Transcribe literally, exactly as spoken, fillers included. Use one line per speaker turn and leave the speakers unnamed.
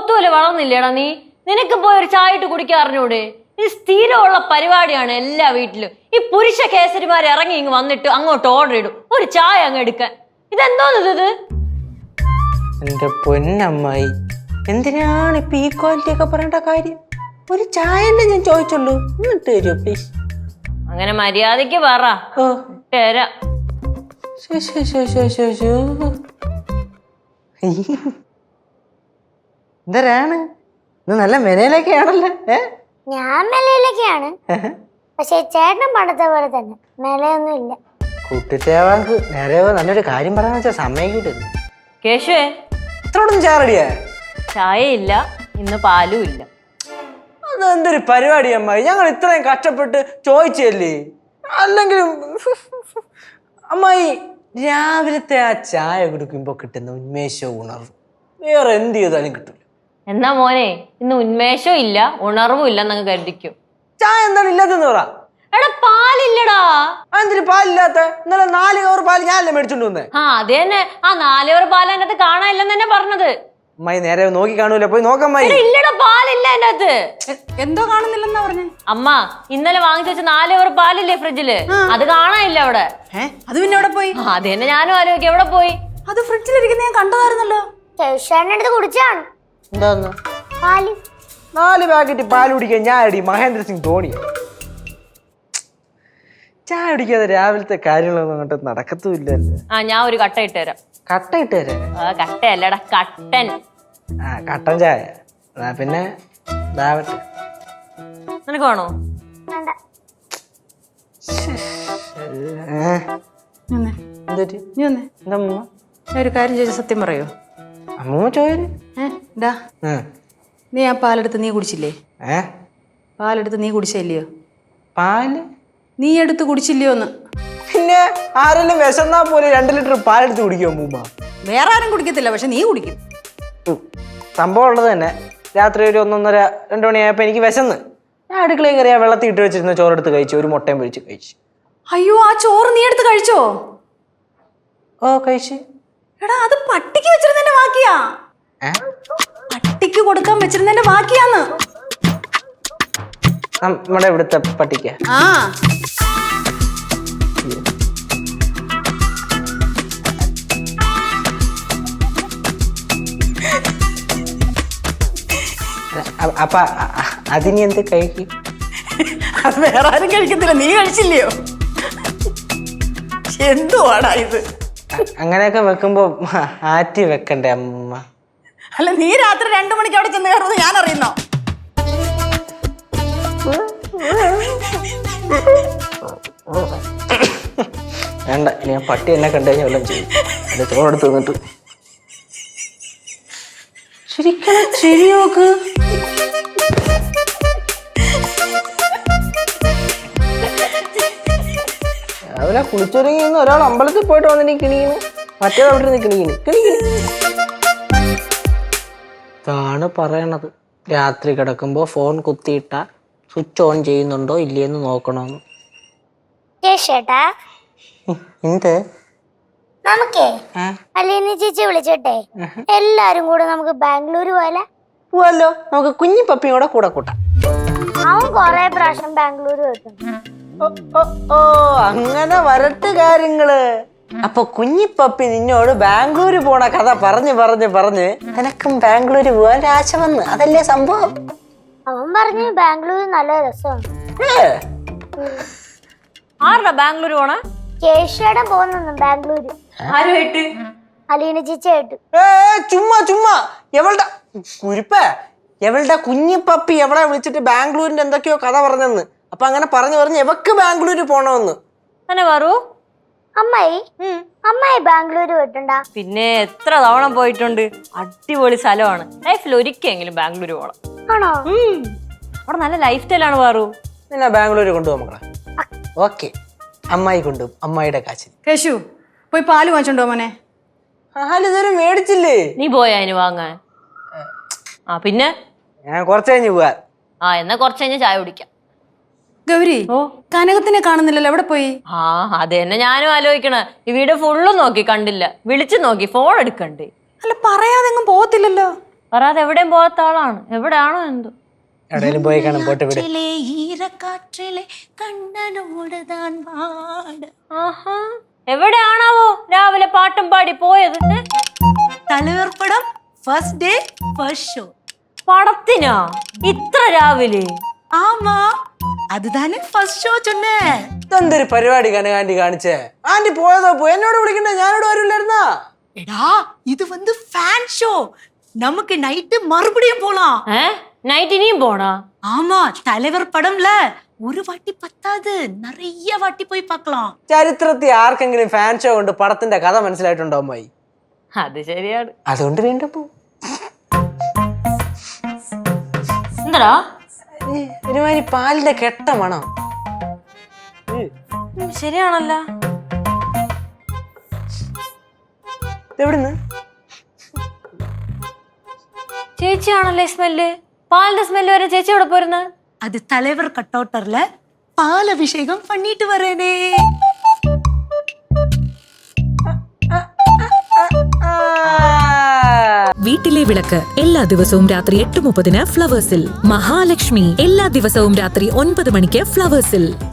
പോത്തുപോലെ വളർന്നില്ലേടാ നീ? നിനക്ക് പോയി ഒരു ചായ ഇട്ട് കുടിക്കാൻ അറിഞ്ഞൂടെ? ഇത് സ്ഥിരമുള്ള പരിപാടിയാണ് എല്ലാ വീട്ടിലും. ഈ പുരുഷ കേസരിമാർ ഇറങ്ങി ഇങ്ങ് വന്നിട്ട് അങ്ങോട്ട് ഓർഡർ ഇടും ഒരു ചായ അങ്ങ് എടുക്കാൻ. ഇതെന്തോന്ന് ഇത്?
എന്റെ പൊന്നമ്മായി, എന്തിനാണ് ഇപ്പൊ ഈ ക്വാളിറ്റി ഒക്കെ പറയേണ്ട കാര്യം? ഒരു ചായ ഞാൻ ചോദിച്ചുള്ളൂ, എന്നിട്ട് തരുമോ പ്ലീസ്?
അങ്ങനെ മര്യാദക്ക് പറ.
ഓ
തരാം.
എന്തരാണ് ഇത്? നല്ല മെനയിലൊക്കെയാണല്ലോ. ഏ
ഞാൻ മെലയിലൊക്കെയാണ്, പക്ഷെ ചേട്ടൻ പണ്ടത്തെ പോലെ തന്നെ മെലയൊന്നും ഇല്ല.
കുട്ടിച്ചേവാക്ക് നേരെ നല്ലൊരു കാര്യം പറയാന്ന് വെച്ചാൽ സമയം കിട്ടുന്നു.
കേശുവേ,
ഇത്രയോടൊന്നും ചായ റെഡിയാ?
ചായ ഇല്ല, ഇന്ന് പാലും ഇല്ല.
അതെന്തൊരു പരിപാടി അമ്മായി, ഞങ്ങൾ ഇത്രയും കഷ്ടപ്പെട്ട് ചോദിച്ചല്ലേ. അല്ലെങ്കിലും അമ്മായി രാവിലത്തെ ആ ചായ കുടിക്കുമ്പോ കിട്ടുന്ന ഉന്മേഷവും ഉണർവും വേറെ എന്ത് ചെയ്താലും കിട്ടില്ല.
എന്നാ മോനെ, ഇന്ന് ഉന്മേഷവും ഇല്ല ഉണർവും ഇല്ല എന്നങ്ങ് കരുതിക്കും.
ചായ എന്താണ് ഇല്ലാത്തെന്ന് പറ.
എടാ പാലില്ലടാ.
എന്തിന് പാലില്ലാത്ത? ഇന്നലെ നാല് കവർ പാല് ഞാനല്ലേ മേടിച്ചോണ്ട് വന്നേ.
ആ അത് തന്നെ, ആ നാല് കവർ പാൽ അതിനകത്ത് കാണാനില്ലെന്ന് തന്നെ പറഞ്ഞത്.
അമ്മായി നേരെ നോക്കി കാണൂല, പോയി നോക്കമ്മായി.
ഇല്ലടാ പാലില്ല അതിനകത്ത്.
എന്തോ കാണുന്നില്ലെന്നാ പറഞ്ഞേ?
അമ്മ ഇന്നലെ വാങ്ങിച്ചു വെച്ച നാല് കവർ പാലില്ലേ ഫ്രിഡ്ജില്, അത് കാണാനില്ല അവിടെ.
അത് പിന്നെ എവിടെ പോയി?
അത് തന്നെ ഞാനും ആലോചിക്കും, എവിടെ പോയി?
അത് ഫ്രിഡ്ജിലിരിക്കുന്ന ഞാൻ കണ്ടതായിരുന്നല്ലോ.
ചേട്ടൻ്റെ അടുത്ത് കുടിച്ചാണ്.
എന്താന്ന്?
പാല്.
നാല് പാക്കറ്റ് പാൽ കുടിക്കാൻ ഞാൻ അടി മഹേന്ദ്ര സിംഗ് ധോണി. ചായ കുടിക്കാതെ രാവിലത്തെ കാര്യങ്ങളൊന്നും അങ്ങോട്ട് നടക്കത്തുമില്ലല്ലോ.
ആ ഞാൻ ഒരു കട്ട ഇട്ട് തരാം.
കട്ട ഇട്ട് തരാം?
ആ കട്ടയല്ലടാ, കട്ടൻ.
ആ കട്ടൻ ചായ. പിന്നെ ദാവട്ടെ.
നിനക്ക് വേണോ?
വേണ്ട.
ഞാൻ ഒരു കാര്യം ചോദിച്ച സത്യം പറയോ?
അമ്മൂമ്മ ചോര്.
ഡാ, നീ ആ പാലെടുത്ത് നീ കുടിച്ചില്ലേ?
ഏ
പാലെടുത്ത് നീ കുടിച്ചില്ലയോ?
പാല്
നീ എടുത്ത് കുടിച്ചില്ലയോ എന്ന്?
പിന്നെ ആരെങ്കിലും വിശന്നാ പോലെ രണ്ട് ലിറ്റർ പാലെടുത്ത് കുടിക്കുമോ അമ്മൂമ്മ?
വേറെ ആരും കുടിക്കത്തില്ല, പക്ഷെ നീ കുടിക്കും.
സംഭവം ഉള്ളത് തന്നെ. രാത്രി ഒരു ഒന്നൊന്നര രണ്ടു മണിയായപ്പോ എനിക്ക് വിശന്ന് ഞാൻ അടുക്കളയിൽ കയറിയാ വെള്ളത്തിൽ ഇട്ട് വെച്ചിരുന്ന ചോറെടുത്ത് കഴിച്ചു, ഒരു മുട്ടയും പൊരിച്ച് കഴിച്ചു.
അയ്യോ, ആ ചോറ് നീ എടുത്ത് കഴിച്ചോ?
ഓ കഴിച്ചു.
എടാ, അത് പട്ടിക്ക് വെച്ചിരുന്നതിന്റെ ബാക്കിയാ. പട്ടിക്ക് കൊടുക്കാൻ വെച്ചിരുന്നതിന്റെ ബാക്കിയാന്ന്.
നമ്മുടെ ഇവിടുത്തെ പട്ടിക്ക.
ആ
അപ്പൊ അതിനി എന്ത് കഴിക്കും?
അത് വേറെ ആരും കഴിക്കത്തില്ല, നീ കഴിച്ചില്ലയോ? എന്തുവാടാ ഇത്?
അങ്ങനെയൊക്കെ വെക്കുമ്പോ ആറ്റി വെക്കണ്ടേ അമ്മ?
അല്ല, നീ രാത്രി രണ്ടു മണിക്ക് അവിടെ ചെന്ന് കയറുന്നത് ഞാൻ അറിയുന്നോ?
വേണ്ട, ഞാൻ പട്ടി എന്നെ കണ്ടു കഴിഞ്ഞാൽ വല്ലതും ചെയ്യും. എന്റെ ചോറെടുത്ത് നിന്നിട്ട് ശരിക്കും ശരി നോക്ക്. രാവിലെ കുളിച്ചൊരുങ്ങി ഒരാൾ അമ്പലത്തിൽ പോയിട്ട് വന്നിട്ട് കിണിക്കുന്നു, മറ്റേത് അവിടെ നിന്ന് കിണിക്കുന്നു കിണിക്കുന്നു. ഇതാണ് പറയണത്, രാത്രി കിടക്കുമ്പോ ഫോൺ കുത്തിയിട്ട സ്വിച്ച് ഓൺ ചെയ്യുന്നുണ്ടോ ഇല്ലേന്ന് നോക്കണമെന്ന്.
ചേട്ടാ,
എന്ത്?
നമുക്കേ അലീന ചേച്ചി വിളിച്ചിട്ടെ എല്ലാരും കൂടെ നമുക്ക് ബാംഗ്ലൂര് പോലെ
പോവല്ലോ. നമുക്ക് കുഞ്ഞി പപ്പിയും കൂടെ കൂടെ കൂട്ടാം.
അവൻ കൊറേ പ്രാവശ്യം ബാംഗ്ലൂര് വെക്കും.
ഓ അങ്ങനെ വരട്ട് കാര്യങ്ങള്. അപ്പൊ കുഞ്ഞിപ്പപ്പി നിന്നോട് ബാംഗ്ലൂര് പോണ കഥ പറഞ്ഞ് പറഞ്ഞ് പറഞ്ഞ് നിനക്കും ബാംഗ്ലൂര് പോവാൻ ആശ വന്ന്, അതല്ലേ സംഭവം?
അവൻ പറഞ്ഞു ബാംഗ്ലൂര് നല്ല രസമാണ്.
ആരുടെ ബാംഗ്ലൂർ പോണ?
കേശയുടെ പോകുന്നു ബാംഗ്ലൂര്.
ആരുമായിട്ട്?
അലീന ചേച്ചിയായിട്ട്.
ഏ ചുമ്മാ ചുമ്മാ എവളുടെ കുരിപ്പേ, എവളുടെ കുഞ്ഞിപ്പപ്പി എവിടെ വിളിച്ചിട്ട് ബാംഗ്ലൂരിന്റെ എന്തൊക്കെയോ കഥ പറഞ്ഞെന്ന്. അപ്പൊ അങ്ങനെ പറഞ്ഞു പറഞ്ഞ് എവക്ക് ബാംഗ്ലൂര് പോണമെന്ന്.
തന്നെ പറൂ.
അമ്മായി അമ്മായി ബാംഗ്ലൂര് പോയിട്ടുണ്ടാ?
പിന്നെ എത്ര തവണ പോയിട്ടുണ്ട്. അടിപൊളി സ്ഥലമാണ്. ലൈഫിൽ ഒരിക്കലെങ്കിലും ബാംഗ്ലൂർ പോകണം.
ആണോ?
അവിടെ നല്ല ലൈഫ് സ്റ്റൈലാണ് പാറു.
നിന്നെ ബാംഗ്ലൂര് കൊണ്ടുപോകും മക്കളെ. ഓക്കെ, അമ്മായി കൊണ്ടുപോകും, അമ്മായിയുടെ കാശിന്.
കേശു, പോയി പാല് വാങ്ങിച്ചോണ്ടോ മോനെ?
പാല് ഇതുവരെ മേടിച്ചില്ലേ?
നീ പോയാ അതിന് വാങ്ങാൻ? ആ പിന്നെ
ഞാൻ കുറച്ച് കഴിഞ്ഞ് പോവാ.
ആ എന്നാ കുറച്ച് കഴിഞ്ഞ് ചായ കുടിക്കാം.
ഗൗരി, ഓ കനകത്തിനെ കാണുന്നില്ലല്ലോ, എവിടെ പോയി?
ആ അത് തന്നെ ഞാനും ആലോചിക്കണ. ഈ വീട് ഫുള്ളും നോക്കി കണ്ടില്ല, വിളിച്ചു നോക്കി, ഫോൺ എടുക്കണ്ടേ.
അല്ല, പറയാതെങ്ങും പോകത്തില്ലല്ലോ.
പറയാതെ എവിടെയും പോകാത്ത ആളാണ്. എവിടെയാണോ എന്തോ.
എവിടെയെങ്കിലും പോയി കാണാൻ പോട്ടെ വിട്.
ഈരക്കാറ്റിലെ കണ്ണനോടുതാൻ പാട്.
ആഹാ, എവിടെയാണാവോ രാവിലെ പാട്ടും പാടി പോയത്?
തലവർ പടം ഫസ്റ്റ് ഡേ ഫസ്റ്റ് ഷോ.
പടത്തിനാ ഇത്ര രാവിലെ?
ആമാ, അതുതാനെ ഫസ്റ്റ് ഷോ ചൊന്നേ.
ഇതെന്തൊരു പരിപാടി കനകാന്റി കാണിച്ചേ? ആന്റി പോയതോ പോയി, എന്നോട് വിളിക്കണ്ടേ? ഞാനോട് വരില്ലായിരുന്നാ?
എടാ, ഇത് வந்து ഫാൻ ഷോ. நமக்கு நைட்டு மறுபடியும் போலாம்.
ഏ നൈറ്റ് ഇനിയും പോണാ?
ஆமா, தலைவர் படம்ல ஒரு வாட்டி பத்தாது, நிறைய வாட்டி போய் பார்க்கலாம்.
ചരിത്രത്തിൽ ആർക്കെങ്കിലും ഫാൻ ഷോ കൊണ്ട് പടത്തിന്റെ കഥ മനസ്സിലായിട്ടുണ്ടോ അമ്മായി?
അത് ശരിയാണ്.
അതുകൊണ്ട് വീണ്ടും പോ.
എന്താ
ഒരുമാതിരി പാലിന്റെ കെട്ട മണം.
ശരിയാണല്ല.
എവിടുന്ന്?
ചേച്ചിയാണല്ലേ സ്മെല്ല്? പാലിന്റെ സ്മെല്ല് വരെ ചേച്ചി എവിടെ പോരുന്നത്?
அது தலைவர் கட்டவுட்டர்ல பால் அபிஷேகம் பண்ணிட்டு வரேனே.
വീട്ടിലെ വിളക്ക് എല്ലാ ദിവസവും രാത്രി എട്ട് മുപ്പതിന് ഫ്ലവേഴ്സിൽ. മഹാലക്ഷ്മി എല്ലാ ദിവസവും രാത്രി ഒൻപത് മണിക്ക് ഫ്ലവേഴ്സിൽ.